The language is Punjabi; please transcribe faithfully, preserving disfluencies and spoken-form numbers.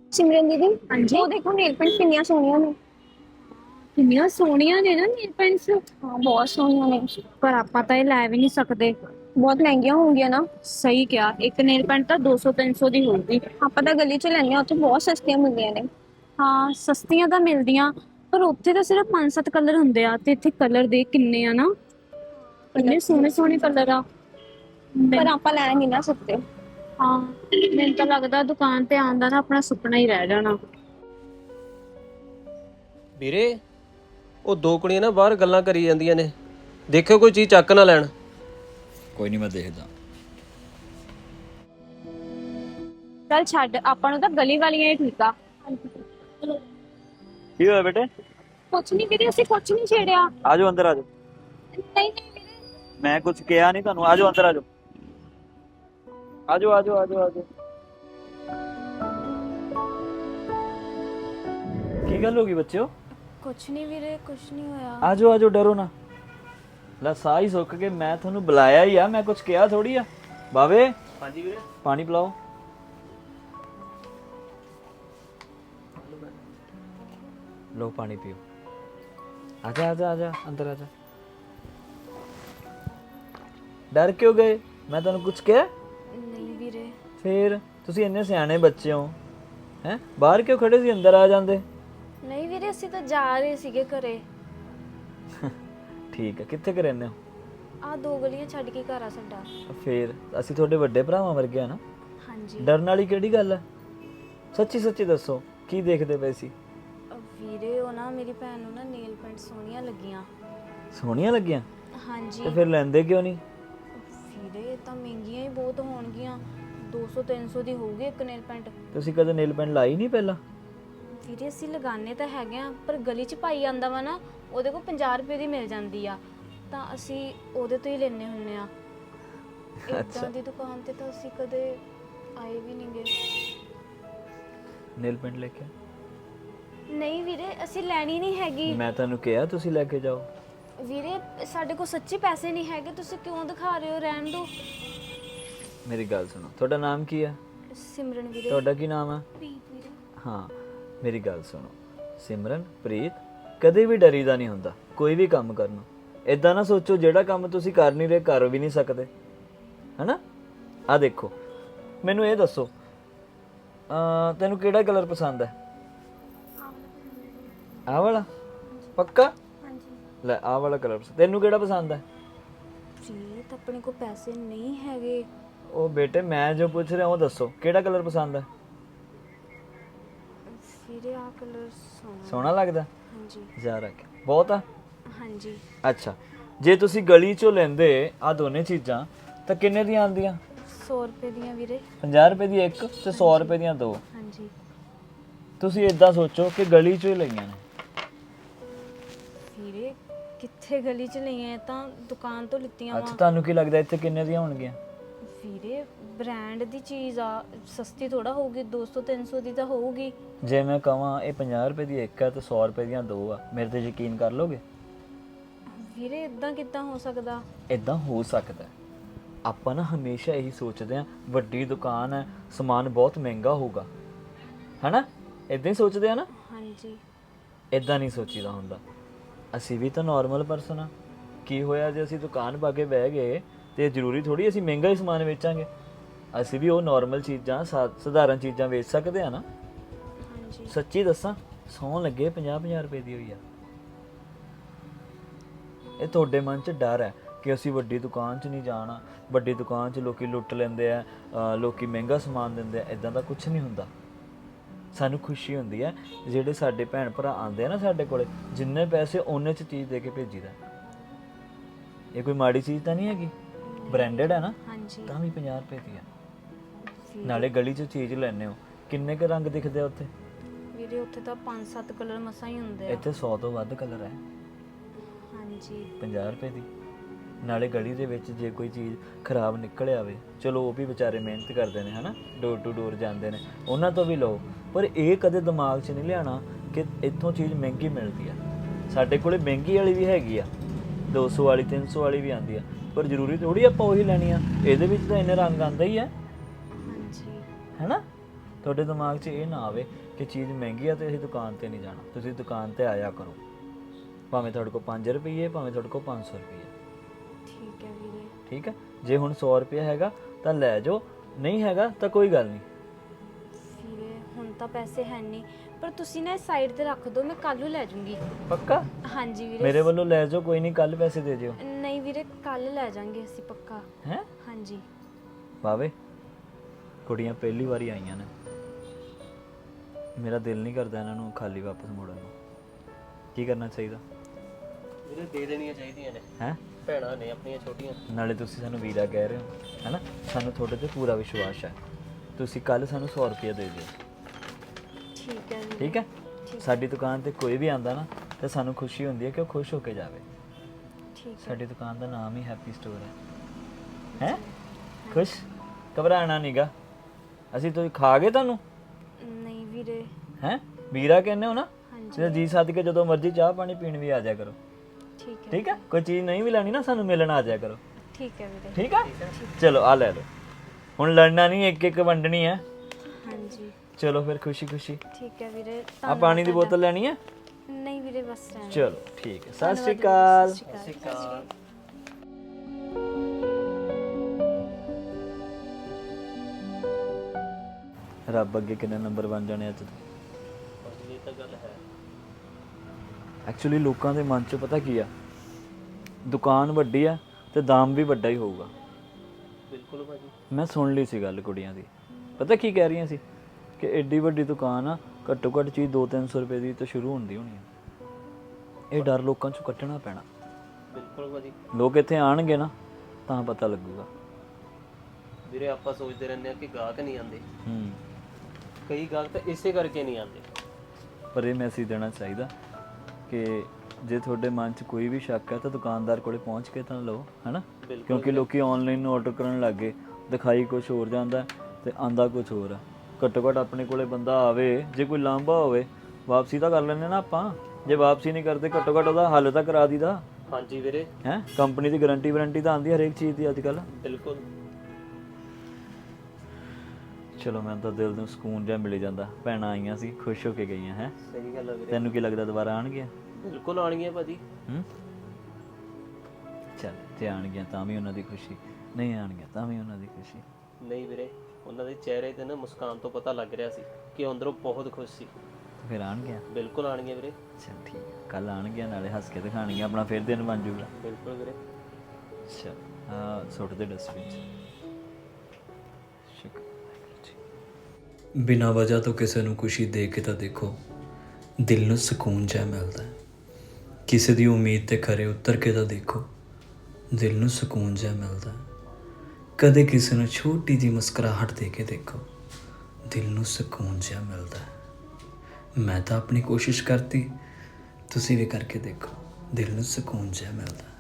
सिमरन दीदी, ਹਾਂਜੀ। वो देखो नेल पेंट कितनी सोहनिया ने। ਕਿੰਨੀਆਂ ਸੋਹਣੀਆਂ ਨੇ ਨਾ ਨੇਲ ਪੈਂਟਸ। हाँ बहुत सोहनिया ने। ਪਰ ਆਪਾਂ ਤਾਂ ਇਹ ਲੈ ਵੀ ਨਹੀਂ ਸਕਦੇ। बहुत महंगिया होंगी ना। ਸਹੀ ਕਿਹਾ, ਇੱਕ ਨੇਲ ਪੈਂਟ ਤਾਂ ਦੋ ਸੌ ਤਿੰਨ ਸੌ ਦੀ ਹੋਊਗੀ। ਆਪਾਂ ਤਾਂ ਗਲੀ ਚ ਲੈਣੇ ਆ, ਉੱਥੇ ਬਹੁਤ ਸਸਤੀਆਂ ਮਿਲਦੀਆਂ ਨੇ। ਹਾਂ, ਸਸਤੀਆਂ ਤਾਂ ਮਿਲਦੀਆਂ, ਪਰ ਉੱਥੇ ਤਾਂ ਸਿਰਫ ਪੰਜ ਸੱਤ ਕਲਰ ਹੁੰਦੇ ਆ ਤੇ ਇੱਥੇ ਕਲਰ ਦੇ ਕਿੰਨੇ ਆ ਨਾ। ਕਿੰਨੇ ਸੋਹਣੇ ਸੋਹਣੇ ਕਲਰ ਆ। ਪਰ ਮੈਂ- ਆਪਾਂ ਲੈ ਨਹੀਂ ਨਾ ਸਕਦੇ। ਹਾਂ, ਮੈਨੂੰ ਤਾਂ ਲੱਗਦਾ ਦੁਕਾਨ ਤੇ ਆਉਣ ਦਾ ਨਾ ਆਪਣਾ ਸੁਪਨਾ ਹੀ ਰਹਿ ਜਾਣਾ। ਵੀਰੇ, ਉਹ ਦੋ ਕੁੜੀਆਂ ਨਾ ਬਾਹਰ ਗੱਲਾਂ ਕਰੀ ਜਾਂਦੀਆਂ ਨੇ। ਦੇਖਿਓ ਕੋਈ ਚੀਜ਼ ਚੱਕ ਨਾ ਲੈਣ। ਕੋਈ ਨਹੀਂ, ਮੈਂ ਦੇਖਦਾ। ਚੱਲ ਛੱਡ, ਆਪਾਂ ਨੂੰ ਤਾਂ ਗਲੀ ਵਾਲੀਆਂ ਹੀ ਠੀਕ ਆ। ਕੀ ਹੋਇਆ ਬੇਟੇ? ਕੁਛ ਨਹੀਂ ਵੀਰੇ, ਅਸੀਂ ਕੁਛ ਨਹੀਂ ਛੇੜਿਆ। ਆ ਜਾਓ ਅੰਦਰ, ਆ ਜਾਓ। ਨਹੀਂ ਨਹੀਂ ਵੀਰੇ। ਮੈਂ ਕੁਝ ਕਿਹਾ ਨਹੀਂ ਤੁਹਾਨੂੰ। ਆ ਜਾਓ ਅੰਦਰ, ਆ ਜਾਓ। ਆ ਜਾਓ, ਆ ਜਾਓ, ਆ ਜਾਓ, ਆ ਜਾਓ। ਕੀ ਗੱਲ ਹੋ ਗਈ ਬੱਚਿਓ? ਕੁਛ ਨਹੀਂ ਵੀਰੇ, ਕੁਛ ਨਹੀਂ ਹੋਇਆ। ਆ ਜਾਓ, ਆ ਜਾਓ, ਡਰੋ ਨਾ। ਲੈ ਸਾਹ ਹੀ ਸੁੱਕ ਕੇ ਮੈਂ ਤੁਹਾਨੂੰ ਬੁਲਾਇਆ ਹੀ ਆ, ਮੈਂ ਕੁਝ ਕਿਹਾ ਥੋੜੀ ਆ। ਬਾਵੇ, ਹਾਂਜੀ ਵੀਰੇ। ਪਾਣੀ ਪਿਲਾਓ। ਲੋ ਪਾਣੀ ਪੀਓ। ਆ ਜਾ, ਆ ਜਾ, ਆ ਜਾ, ਅੰਦਰ ਆ ਜਾ। ਡਰ ਕਿਉਂ ਗਏ? ਮੈਂ ਤੁਹਾਨੂੰ ਕੁਝ ਕਿਹਾ? ਨਹੀਂ ਵੀਰੇ। ਫੇਰ ਤੁਸੀਂ ਇੰਨੇ ਸਿਆਣੇ ਬੱਚੇ ਹੋ, ਹੈ ਬਾਹਰ ਕਿਉਂ ਖੜੇ ਸੀ? ਅੰਦਰ ਆ ਜਾਂਦੇ। ਨਹੀਂ ਵੀਰੇ, ਅਸੀਂ ਤਾਂ ਜਾ ਰਹੇ ਸੀਗੇ ਘਰੇ। ਠੀਕ ਹੈ, ਕਿੱਥੇ ਕੁ ਰਹਿੰਦੇ ਹੋ? ਆ ਦੋ ਗਲੀਆਂ ਛੱਡ ਕੇ ਘਰ ਆ ਸਾਡਾ। ਫੇਰ ਅਸੀਂ ਤੁਹਾਡੇ ਵੱਡੇ ਭਰਾਵਾਂ ਵਰਗੇ ਆ ਨਾ। ਹਾਂਜੀ। ਡਰਨ ਵਾਲੀ ਕਿਹੜੀ ਗੱਲ ਹੈ? ਸੱਚੀ ਸੱਚੀ ਦੱਸੋ, ਕੀ ਦੇਖਦੇ ਪਏ ਸੀ? ਅ, ਵੀਰੇ ਉਹ ਨਾ ਮੇਰੀ ਭੈਣ ਨੂੰ ਨਾ ਨੇਲ ਪੈਂਟ ਸੋਹਣੀਆਂ ਲੱਗੀਆਂ। ਸੋਹਣੀਆਂ ਲੱਗੀਆਂ? ਹਾਂਜੀ। ਤੇ ਫਿਰ ਲੈਂਦੇ ਕਿਉਂ ਨਹੀਂ? ਵੀਰੇ ਇਹ ਤਾਂ ਮਹਿੰਗੀਆਂ ਹੀ ਬਹੁਤ ਹੋਣਗੀਆਂ। ਦੋ ਸੌ ਤਿੰਨ ਸੌ ਦੀ ਹੋਊਗੀ ਇੱਕ ਨੇਲ ਪੈਂਟ। ਤੁਸੀਂ ਕਦੇ ਨੇਲ ਪੈਂਟ ਲਾਈ ਨਹੀਂ ਪਹਿਲਾਂ? ਵੀਰੇ ਅਸੀਂ ਲਗਾਨੇ ਤਾਂ ਹੈਗੇ ਆ, ਪਰ ਗਲੀ 'ਚ ਭਾਈ ਆਂਦਾ ਵਾ ਨਾ, ਉਹਦੇ ਕੋਲ ਪੰਜਾਹ ਰੁਪਏ ਦੀ ਮਿਲ ਜਾਂਦੀ ਆ, ਤਾਂ ਅਸੀਂ ਉਹਦੇ ਤੋਂ ਹੀ ਲੈਣੇ ਹੁੰਨੇ ਆ। ਇਦਾਂ ਦੀ ਦੁਕਾਨ ਤੇ ਤਾਂ ਅਸੀਂ ਕਦੇ ਆਏ ਵੀ ਨਹੀਂ ਗਏ। ਨੇਲ ਪੈਂਟ ਲੈ ਕੇ? ਨਹੀਂ ਵੀਰੇ, ਅਸੀਂ ਲੈਣੀ ਨਹੀਂ ਹੈਗੀ। ਮੈਂ ਤੁਹਾਨੂੰ ਕਿਹਾ ਤੁਸੀਂ ਲੈ ਕੇ ਜਾਓ। ਵੀਰੇ ਸਾਡੇ ਕੋਲ ਸੱਚੀ ਪੈਸੇ ਨਹੀਂ ਹੈਗੇ, ਤੁਸੀਂ ਕਿਉਂ ਦਿਖਾ ਰਹੇ ਹੋ? ਰਹਿਣ ਦਿਓ। ਮੇਰੀ ਗੱਲ ਸੁਣੋ, ਤੁਹਾਡਾ ਨਾਮ ਕੀ ਹੈ? ਸਿਮਰਨ ਵੀਰੇ। ਤੁਹਾਡਾ ਕੀ ਨਾਮ ਹੈ? ਪ੍ਰੀਤ ਵੀਰੇ। ਹਾਂ, ਮੇਰੀ ਗੱਲ ਸੁਣੋ ਸਿਮਰਨ, ਪ੍ਰੀਤ, ਕਦੇ ਵੀ ਡਰੀਦਾ ਨਹੀਂ ਹੁੰਦਾ ਕੋਈ ਵੀ ਕੰਮ ਕਰਨ ਨੂੰ। ਇਦਾਂ ਨਾ ਸੋਚੋ ਜਿਹੜਾ ਕੰਮ ਤੁਸੀਂ ਕਰ ਨਹੀਂ ਰਹੇ ਕਰ ਵੀ ਨਹੀਂ ਸਕਦੇ, ਹੈਨਾ। ਆ ਦੇਖੋ, ਮੈਨੂੰ ਇਹ ਦੱਸੋ, ਅ ਤੈਨੂੰ ਕਿਹੜਾ ਕਲਰ ਪਸੰਦ ਹੈ? ਆਹ ਵਾਲਾ? ਪੱਕਾ? ਹਾਂਜੀ। ਲੈ ਆਹ ਵਾਲਾ ਕਲਰ ਪਸੰਦ। ਤੈਨੂੰ ਕਿਹੜਾ ਪਸੰਦ ਹੈ? ਪ੍ਰੀਤ ਆਪਣੇ ਕੋਲ ਪੈਸੇ ਨਹੀਂ ਹੈਗੇ। ਉਹ ਬੇਟੇ, ਮੈਂ ਜੋ ਪੁੱਛ ਰਿਹਾ ਉਹ ਦੱਸੋ, ਕਿਹੜਾ ਕਲਰ ਪਸੰਦ ਹੈ? ਵੀਰੇ ਆ ਕਲਰ ਸੋਹਣਾ। ਸੋਹਣਾ ਲੱਗਦਾ? ਹਾਂਜੀ। ਜਾ ਰੱਖ ਬਹੁਤ ਆ। ਹਾਂਜੀ। ਅੱਛਾ, ਜੇ ਤੁਸੀਂ ਗਲੀ ਚੋਂ ਲੈਂਦੇ ਆ ਦੋਨੇ ਚੀਜ਼ਾਂ ਤਾਂ ਕਿੰਨੇ ਦੀਆਂ ਆਉਂਦੀਆਂ? ਸੌ ਰੁਪਏ ਦੀਆਂ ਵੀਰੇ। ਪੰਜਾਹ ਰੁਪਏ ਦੀ ਇੱਕ ਤੇ ਸੌ ਰੁਪਏ ਦੀਆਂ ਦੋ। ਹਾਂਜੀ। ਤੁਸੀਂ ਇਦਾਂ ਸੋਚੋ ਕਿ ਗਲੀ ਚੋਂ ਹੀ ਲਈਆਂ ਨੇ। ਵੀਰੇ ਕਿੱਥੇ ਗਲੀ 'ਚ ਲਈਆਂ, ਇਹ ਤਾਂ ਦੁਕਾਨ ਤੋਂ ਲਿੱਤੀਆਂ ਅੱਛਾ, ਵਾ। ਤੁਹਾਨੂੰ ਕੀ ਲੱਗਦਾ ਇੱਥੇ ਕਿੰਨੇ ਦੀਆਂ ਹੋਣਗੀਆਂ? ਵੀਰੇ ਬ੍ਰਾਂਡ ਦੀ ਚੀਜ਼ ਆ, ਸਸਤੀ ਥੋੜਾ ਹੋਊਗੀ, ਦੋ ਸੌ ਤਿੰਨ ਸੌ ਦੀ ਤਾਂ ਹੋਊਗੀ। ਜੇ ਮੈਂ ਕਹਾਂ ਇਹ ਪੰਜਾਹ ਰੁਪਏ ਦੀ ਇੱਕ ਹੈ ਤੇ ਸੌ ਰੁਪਏ ਦੀਆਂ ਦੋ ਆ, ਮੇਰੇ ਤੇ ਯਕੀਨ ਕਰ ਲੋਗੇ? ਵੀਰੇ ਇਦਾਂ ਕਿੱਦਾਂ ਹੋ ਸਕਦਾ? ਇਦਾਂ ਹੋ ਸਕਦਾ ਹੈ। ਆਪਾਂ ਨਾ ਹਮੇਸ਼ਾ ਇਹੀ ਸੋਚਦੇ ਆ ਵੱਡੀ ਦੁਕਾਨ ਹੈ, ਸਮਾਨ ਬਹੁਤ ਮਹਿੰਗਾ ਹੋਊਗਾ, ਹੈਨਾ, ਇਦਾਂ ਹੀ ਸੋਚਦੇ ਆ ਨਾ। ਹਾਂਜੀ। ਇਦਾਂ ਨਹੀਂ ਸੋਚੀਦਾ ਹੁੰਦਾ। ਅਸੀਂ ਵੀ ਤਾਂ ਨਾਰਮਲ ਪਰਸਨ ਆ। ਕੀ ਹੋਇਆ ਜੇ ਅਸੀਂ ਦੁਕਾਨ ਪਾ ਕੇ ਬਹਿ ਗਏ ਤੇ ਜ਼ਰੂਰੀ ਥੋੜੀ ਅਸੀਂ ਮਹਿੰਗਾ ਹੀ ਸਮਾਨ ਵੇਚਾਂਗੇ। ਅਸੀਂ ਵੀ ਉਹ ਨਾਰਮਲ ਚੀਜ਼ਾਂ, ਸਧਾਰਨ ਚੀਜ਼ਾਂ ਵੇਚ ਸਕਦੇ ਆ ਨਾ। ਹਾਂਜੀ। ਸੱਚੀ ਦੱਸਾਂ, ਸੌਣ ਲੱਗੇ ਪੰਜਾਹ ਪੰਜਾਹ ਰੁਪਏ ਦੀ ਹੋਈ ਆ। ਇਹ ਤੁਹਾਡੇ ਮਨ 'ਚ ਡਰ ਹੈ ਕਿ ਅਸੀਂ ਵੱਡੀ ਦੁਕਾਨ 'ਚ ਨਹੀਂ ਜਾਣਾ, ਵੱਡੀ ਦੁਕਾਨ 'ਚ ਲੋਕੀ ਲੁੱਟ ਲੈਂਦੇ ਆ, ਲੋਕੀ ਮਹਿੰਗਾ ਸਮਾਨ ਦਿੰਦੇ ਆ। ਇਦਾਂ ਦਾ ਕੁਝ ਨਹੀਂ ਹੁੰਦਾ। ਸਾਨੂੰ ਖੁਸ਼ੀ ਹੁੰਦੀ ਹੈ ਜਿਹੜੇ ਸਾਡੇ ਭੈਣ ਭਰਾ ਆਉਂਦੇ ਆ ਨਾ ਸਾਡੇ ਕੋਲੇ, ਜਿੰਨੇ ਪੈਸੇ ਉਹਨੇ 'ਚ ਚੀਜ਼ ਦੇ ਕੇ ਭੇਜੀਦਾ। ਇਹ ਕੋਈ ਮਾੜੀ ਚੀਜ਼ ਤਾਂ ਨਹੀਂ ਹੈਗੀ, ਬ੍ਰਾਂਡਡ ਹੈ ਨਾ, ਹਾਂਜੀ। ਤਾਂ ਵੀ ਪੰਜਾਹ ਰੁਪਏ ਦੀ ਆ। ਨਾਲੇ ਗਲੀ 'ਚ ਚੀਜ਼ ਲੈਣੇ ਹੋ, ਕਿੰਨੇ ਕੁ ਰੰਗ ਦਿਖਦੇ ਆ ਉੱਥੇ? ਵੀਰੇ ਉੱਥੇ ਤਾਂ ਪੰਜ ਸੱਤ ਕਲਰ ਮਸਾਂ ਹੀ ਹੁੰਦੇ ਆ। ਇੱਥੇ ਸੌ ਤੋਂ ਵੱਧ ਕਲਰ ਹੈ। ਹਾਂਜੀ। ਪੰਜਾਹ ਰੁਪਏ ਦੀ। ਨਾਲੇ ਗਲੀ ਦੇ ਵਿੱਚ ਜੇ ਕੋਈ ਚੀਜ਼ ਖਰਾਬ ਨਿਕਲ ਆਵੇ, ਚਲੋ ਉਹ ਵੀ ਵਿਚਾਰੇ ਮਿਹਨਤ ਕਰਦੇ ਨੇ, ਹਨਾ, ਡੋਰ ਟੂ ਡੋਰ ਜਾਂਦੇ ਨੇ, ਉਹਨਾਂ ਤੋਂ ਵੀ ਲਓ। ਪਰ ਇਹ ਕਦੇ ਦਿਮਾਗ 'ਚ ਨਹੀਂ ਲਿਆਉਣਾ ਕਿ ਇੱਥੋਂ ਚੀਜ਼ ਮਹਿੰਗੀ ਮਿਲਦੀ ਆ। ਸਾਡੇ ਕੋਲੇ ਮਹਿੰਗੀ ਵਾਲੀ ਵੀ ਹੈਗੀ ਆ, ਦੋ ਸੌ ਵਾਲੀ, ਤਿੰਨ ਸੌ ਵਾਲੀ ਵੀ ਆਉਂਦੀ ਆ, ਪਰ ਜ਼ਰੂਰੀ ਥੋੜੀ ਆਪਾਂ ਉਹੀ ਲੈਣੀ ਆ। ਇਹਦੇ ਵਿੱਚ ਤਾਂ ਇੰਨੇ ਰੰਗ ਆਉਂਦਾ ਹੀ ਆ, ਹਾਂਜੀ। ਹੈਨਾ। ਤੁਹਾਡੇ ਦਿਮਾਗ 'ਚ ਇਹ ਨਾ ਆਵੇ ਕਿ ਚੀਜ਼ ਮਹਿੰਗੀ ਆ ਤੇ ਅਸੀਂ ਦੁਕਾਨ ਤੇ ਨਹੀਂ ਜਾਣਾ। ਤੁਸੀਂ ਦੁਕਾਨ ਤੇ ਆਇਆ ਕਰੋ, ਭਾਵੇਂ ਤੁਹਾਡੇ ਕੋਲ ਪੰਜ ਰੁਪਏ ਭਾਵੇਂ ਤੁਹਾਡੇ ਕੋਲ ਪੰਜ ਸੌ ਰੁਪਏ। ਠੀਕ ਹੈ ਵੀਰੇ। ਠੀਕ ਹੈ, ਜੇ ਹੁਣ ਸੌ ਰੁਪਏ ਹੈਗਾ ਤਾਂ ਲੈ ਜਾਓ, ਨਹੀਂ ਹੈਗਾ ਤਾਂ ਕੋਈ ਗੱਲ ਨਹੀਂ। ਵੀਰੇ ਹੁਣ ਤਾਂ ਪੈਸੇ ਹੈ ਨਹੀਂ, ਪਰ ਤੁਸੀਂ ਨਾ ਸਾਈਡ ਤੇ ਰੱਖ ਦਿਓ, ਮੈਂ ਕੱਲ ਨੂੰ ਲੈ ਜਾਊਂਗੀ। ਪੱਕਾ? ਹਾਂਜੀ ਵੀਰੇ। ਮੇਰੇ ਵੱਲੋਂ ਲੈ ਜਾਓ, ਕੋਈ ਨਹੀਂ, ਕੱਲ ਪੈਸੇ ਦੇ ਦਿਓ। ਨਹੀਂ ਵੀਰੇ, ਕੱਲ ਲੈ ਜਾਾਂਗੇ ਅਸੀਂ ਪੱਕਾ। ਹੈ ਹਾਂਜੀ। ਬਾਵੇ, ਕੁੜੀਆਂ ਪਹਿਲੀ ਵਾਰੀ ਆਈਆਂ ਨੇ, ਮੇਰਾ ਦਿਲ ਨਹੀਂ ਕਰਦਾ ਇਹਨਾਂ ਨੂੰ ਖਾਲੀ ਵਾਪਸ ਮੋੜਨ ਨੂੰ। ਕੀ ਕਰਨਾ ਚਾਹੀਦਾ? ਵੀਰੇ ਦੇ ਦੇਣੀਆਂ ਚਾਹੀਦੀਆਂ ਨੇ, ਹੈ ਭੈਣਾਂ ਨੇ ਆਪਣੀਆਂ ਛੋਟੀਆਂ। ਨਾਲੇ ਤੁਸੀਂ ਸਾਨੂੰ ਵੀਰਾ ਕਹਿ ਰਹੇ ਹੋ ਹੈ ਨਾ, ਸਾਨੂੰ ਤੁਹਾਡੇ ਤੇ ਪੂਰਾ ਵਿਸ਼ਵਾਸ ਹੈ। ਤੁਸੀਂ ਕੱਲ ਸਾਨੂੰ ਸੌ ਰੁਪਏ ਦੇ ਦਿਓ। ਠੀਕ ਹੈ ਵੀਰੇ। ਠੀਕ ਹੈ, ਸਾਡੀ ਦੁਕਾਨ ਤੇ ਕੋਈ ਵੀ ਆਂਦਾ ਨਾ ਤੇ ਸਾਨੂੰ ਖੁਸ਼ੀ ਹੁੰਦੀ ਹੈ ਕਿ ਉਹ ਖੁਸ਼ ਹੋ ਕੇ ਜਾਵੇ। ਠੀਕ ਹੈ। ਸਾਡੀ ਦੁਕਾਨ ਦਾ ਨਾਮ ਹੀ ਹੈਪੀ ਸਟੋਰ ਹੈ। ਹੈ ਖੁਸ਼? ਘਬਰਾਣਾ ਨਹੀਂਗਾ, ਅਸੀਂ ਤੁਸੀਂ ਖਾ ਗਏ ਤੁਹਾਨੂੰ? ਨਹੀਂ ਵੀਰੇ। ਹੈ ਵੀਰਾ ਕਹਿੰਦੇ ਹੋ ਨਾ? ਹਾਂਜੀ। ਤੇ ਜੀ ਸੱਦ ਕੇ ਜਦੋਂ ਮਰਜ਼ੀ ਚਾਹ ਪਾਣੀ ਪੀਣ ਵੀ ਆ ਜਾਇਆ ਕਰੋ। ਠੀਕ ਹੈ। ਠੀਕ ਹੈ, ਕੋਈ ਚੀਜ਼ ਨਹੀਂ ਵੀ ਲੈਣੀ ਨਾ ਸਾਨੂੰ ਮਿਲਣ ਆ ਜਾਇਆ ਕਰੋ। ਠੀਕ ਹੈ ਵੀਰੇ। ਠੀਕ ਹੈ, ਚਲੋ ਆ ਲੈ ਲਓ। ਹੁਣ ਲੜਨਾ ਨਹੀਂ, ਇੱਕ ਇੱਕ ਵੰਡਣੀ ਹੈ। ਹਾਂਜੀ। ਚਲੋ ਫਿਰ ਖੁਸ਼ੀ ਖੁਸ਼ੀ। ਠੀਕ ਹੈ ਵੀਰੇ। ਆ ਪਾਣੀ ਦੀ ਬੋਤਲ ਲੈਣੀ ਹੈ? ਨਹੀਂ ਵੀਰੇ, ਬਸ ਰਹਿਣ ਦਿਓ। ਚਲੋ ਠੀਕ ਹੈ, ਸਤਿ ਸ਼੍ਰੀ ਅਕਾਲ। ਸਤਿ ਸ਼੍ਰੀ ਅਕਾਲ। ਰੱਬ ਅੱਗੇ ਕਿੰਨੇ ਨੰਬਰ ਬਣ ਜਾਣੇ ਅੱਜ ਤੋਂ। ਇਹ ਤਾਂ ਗੱਲ ਹੈ। ਐਕਚੁਅਲੀ ਲੋਕਾਂ ਦੇ ਮਨ 'ਚ ਪਤਾ ਕੀ ਆ, ਦੁਕਾਨ ਵੱਡੀ ਆ ਤੇ ਦਾਮ ਵੀ ਵੱਡਾ ਹੀ ਹੋਊਗਾ। ਬਿਲਕੁਲ ਭਾਜੀ। ਮੈਂ ਸੁਣ ਲਈ ਸੀ ਗੱਲ ਕੁੜੀਆਂ ਦੀ, ਪਤਾ ਕੀ ਕਹਿ ਰਹੀਆਂ ਸੀ ਕਿ ਐਡੀ ਵੱਡੀ ਦੁਕਾਨ ਆ, ਘੱਟੋ ਘੱਟ ਚੀਜ਼ ਦੋ ਤਿੰਨ ਸੌ ਰੁਪਏ ਦੀ ਤਾਂ ਸ਼ੁਰੂ ਹੁੰਦੀ ਹੋਣੀ ਆ। ਇਹ ਡਰ ਲੋਕਾਂ 'ਚੋਂ ਕੱਢਣਾ ਪੈਣਾ। ਬਿਲਕੁਲ ਭਾਜੀ। ਲੋਕ ਇੱਥੇ ਆਣਗੇ ਨਾ ਤਾਂ ਪਤਾ ਲੱਗੂਗਾ। ਵੀਰੇ ਆਪਾਂ ਸੋਚਦੇ ਰਹਿੰਦੇ ਆ ਕਿ ਗਾਹਕ ਨਹੀਂ ਆਉਂਦੇ, ਹੂੰ ਕਈ ਗਾਹਕ ਤਾਂ ਇਸੇ ਕਰਕੇ ਨਹੀਂ ਆਉਂਦੇ। ਪਰ ਇਹ ਮੈਸੇਜ ਦੇਣਾ ਚਾਹੀਦਾ ਕਿ ਜੇ ਤੁਹਾਡੇ ਮਨ 'ਚ ਕੋਈ ਵੀ ਸ਼ੱਕ ਹੈ ਤਾਂ ਦੁਕਾਨਦਾਰ ਕੋਲੇ ਪਹੁੰਚ ਕੇ ਤਾਂ ਲਓ, ਹੈਨਾ। ਕਿਉਂਕਿ ਲੋਕੀ ਆਨਲਾਈਨ ਆਰਡਰ ਕਰਨ ਲੱਗ ਗਏ, ਦਿਖਾਈ ਕੁਝ ਹੋਰ ਜਾਂਦਾ ਤੇ ਆਂਦਾ ਕੁਝ ਹੋਰ ਆ। ਘੱਟੋ ਘੱਟ ਆਪਣੇ ਕੋਲੇ ਬੰਦਾ ਆਵੇ, ਜੇ ਕੋਈ ਲਾਂਭਾ ਹੋਵੇ ਵਾਪਸੀ ਤਾਂ ਕਰ ਲੈਂਦੇ ਨਾ ਆਪਾਂ। ਜੇ ਵਾਪਸੀ ਨਹੀਂ ਕਰਦੇ ਘੱਟੋ ਘੱਟ ਉਹਦਾ ਹੱਲ ਤਾਂ ਕਰਾ ਦੀਦਾ। ਹਾਂਜੀ ਵੀਰੇ। ਹੈ ਕੰਪਨੀ ਦੀ ਗਾਰੰਟੀ ਵਾਰੰਟੀ ਤਾਂ ਆਉਂਦੀ ਹਰੇਕ ਚੀਜ਼ ਦੀ ਅੱਜ ਕੱਲ੍ਹ। ਬਿਲਕੁਲ। ਚਲੋ ਮੈਨੂੰ ਤਾਂ ਦਿਲ ਨੂੰ ਸਕੂਨ ਜਿਹਾ ਮਿਲ ਜਾਂਦਾ। ਭੈਣਾਂ ਆਈਆਂ ਸੀ, ਖੁਸ਼ ਹੋ ਕੇ ਗਈਆਂ। ਹੈ ਸਹੀ ਗੱਲ ਹੈ ਵੀਰੇ। ਤੈਨੂੰ ਕੀ ਲੱਗਦਾ ਦੁਬਾਰਾ ਆਉਣਗੀਆਂ? ਬਿਲਕੁਲ ਆਣਗੀਆਂ ਭਾਜੀ। ਹੂੰ ਚੱਲ, ਜੇ ਆਉਣਗੀਆਂ ਤਾਂ ਵੀ ਉਹਨਾਂ ਦੀ ਖੁਸ਼ੀ, ਨਹੀਂ ਆਉਣਗੀਆਂ ਤਾਂ ਵੀ ਉਹਨਾਂ ਦੀ ਖੁਸ਼ੀ। ਨਹੀਂ ਵੀਰੇ, ਉਹਨਾਂ ਦੇ ਚਿਹਰੇ ਤੇ ਨਾ ਮੁਸਕਾਨ ਤੋਂ ਪਤਾ ਲੱਗ ਰਿਹਾ ਸੀ ਕਿ ਉਹ ਅੰਦਰੋਂ ਬਹੁਤ ਖੁਸ਼ ਸੀ। ਫਿਰ ਆਉਣਗੀਆਂ? ਬਿਲਕੁਲ ਆਣਗੀਆਂ ਵੀਰੇ। ਚੱਲ ਠੀਕ ਹੈ, ਕੱਲ ਆਉਣਗੀਆਂ, ਨਾਲੇ ਹੱਸ ਕੇ ਦਿਖਾਣਗੀਆਂ, ਆਪਣਾ ਫਿਰ ਦਿਨ ਬਣ ਜਾਊਗਾ। ਬਿਲਕੁਲ ਵੀਰੇ। ਚੱਲ ਆ ਸੁੱਟ ਦੇ ਡਸਟਬਿਨ 'ਚ। ਸ਼ੁਕਰ। ਬਿਨਾਂ ਵਜ੍ਹਾ ਤੋਂ ਕਿਸੇ ਨੂੰ ਖੁਸ਼ੀ ਦੇ ਕੇ ਤਾਂ ਦੇਖੋ, ਦਿਲ ਨੂੰ ਸਕੂਨ ਜਿਹਾ ਮਿਲਦਾ ਹੈ। ਕਿਸੇ ਦੀ ਉਮੀਦ ਤੇ ਖਰੇ ਉਤਰ ਕੇ ਤਾਂ ਦੇਖੋ, ਦਿਲ ਨੂੰ ਸਕੂਨ ਜਿਹਾ ਮਿਲਦਾ ਹੈ। ਕਦੇ ਕਿਸੇ ਨੂੰ ਛੋਟੀ ਜਿਹੀ ਮੁਸਕਰਾਹਟ ਦੇ ਕੇ ਦੇਖੋ, ਦਿਲ ਨੂੰ ਸਕੂਨ ਜਿਹਾ ਮਿਲਦਾ ਹੈ। ਮੈਂ ਤਾਂ ਆਪਣੀ ਕੋਸ਼ਿਸ਼ ਕਰਤੀ, ਤੁਸੀਂ ਵੀ ਕਰਕੇ ਦੇਖੋ, ਦਿਲ ਨੂੰ ਸਕੂਨ ਜਿਹਾ ਮਿਲਦਾ ਹੈ।